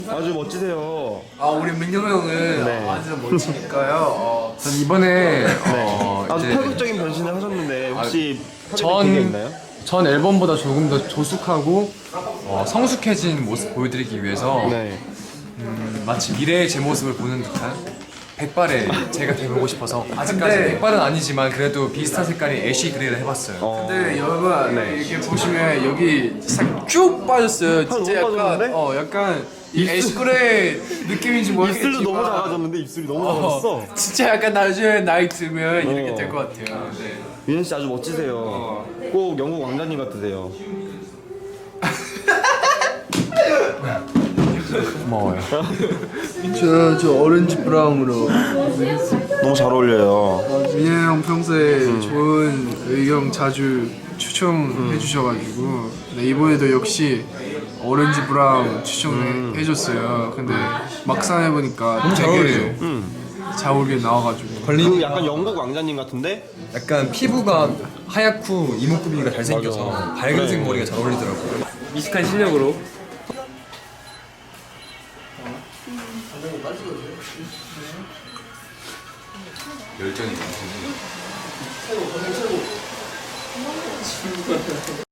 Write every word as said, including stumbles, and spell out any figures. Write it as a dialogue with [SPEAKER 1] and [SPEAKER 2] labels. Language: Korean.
[SPEAKER 1] 아주 멋지세요.
[SPEAKER 2] 아 우리 민경 형은
[SPEAKER 1] 네.
[SPEAKER 2] 아주 멋지니까요. 어, 전 이번에 어,
[SPEAKER 1] 아주
[SPEAKER 2] 이제
[SPEAKER 1] 파격적인 변신을 하셨는데 혹시
[SPEAKER 2] 전-
[SPEAKER 1] 하게 된 게 있나요?
[SPEAKER 2] 전 앨범보다 조금 더 조숙하고 어, 성숙해진 모습 보여드리기 위해서
[SPEAKER 1] 네.
[SPEAKER 2] 음, 마치 미래의 제 모습을 보는 듯한 백발의 제가 돼보고 싶어서 아직까지 백발은 아니지만 그래도 비슷한 색깔의 애쉬 그레이를 해봤어요.
[SPEAKER 1] 어.
[SPEAKER 3] 근데 여러분 이렇게 보시면 여기 싹 쭉 빠졌어요. 진짜
[SPEAKER 1] 너무
[SPEAKER 3] 약간
[SPEAKER 1] 빠졌는데?
[SPEAKER 3] 어 약간 이 애쉬그레이 느낌인지 모르겠지만
[SPEAKER 1] 입술도 너무 작아졌는데 입술이 너무 작아졌어.
[SPEAKER 3] 진짜 약간 나중에 나이 들면 이렇게
[SPEAKER 1] 어.
[SPEAKER 3] 될 것 같아요. 네.
[SPEAKER 1] 유현 씨 아주 멋지세요. 꼭 영국 왕자님 같으세요.
[SPEAKER 2] 고마워요.
[SPEAKER 3] 저, 저 오렌지 브라운으로
[SPEAKER 1] 너무 잘 어울려요.
[SPEAKER 3] 민현 형 평소에 좋은 의견 자주 추천해 주셔가지고 네, 이번에도 역시 오렌지 브라운 추천해 줬어요. 근데 막상 해보니까 너무
[SPEAKER 2] 잘 어울리죠?
[SPEAKER 3] 잘 어울리게 나와가지고
[SPEAKER 1] 그 약간 영국 왕자님 같은데?
[SPEAKER 2] 약간 피부가 하얗고 이목구비가 잘생겨서
[SPEAKER 1] 맞아.
[SPEAKER 2] 밝은색
[SPEAKER 1] 네.
[SPEAKER 2] 머리가 잘 어울리더라고요.
[SPEAKER 4] 미식한 실력으로
[SPEAKER 2] 열정이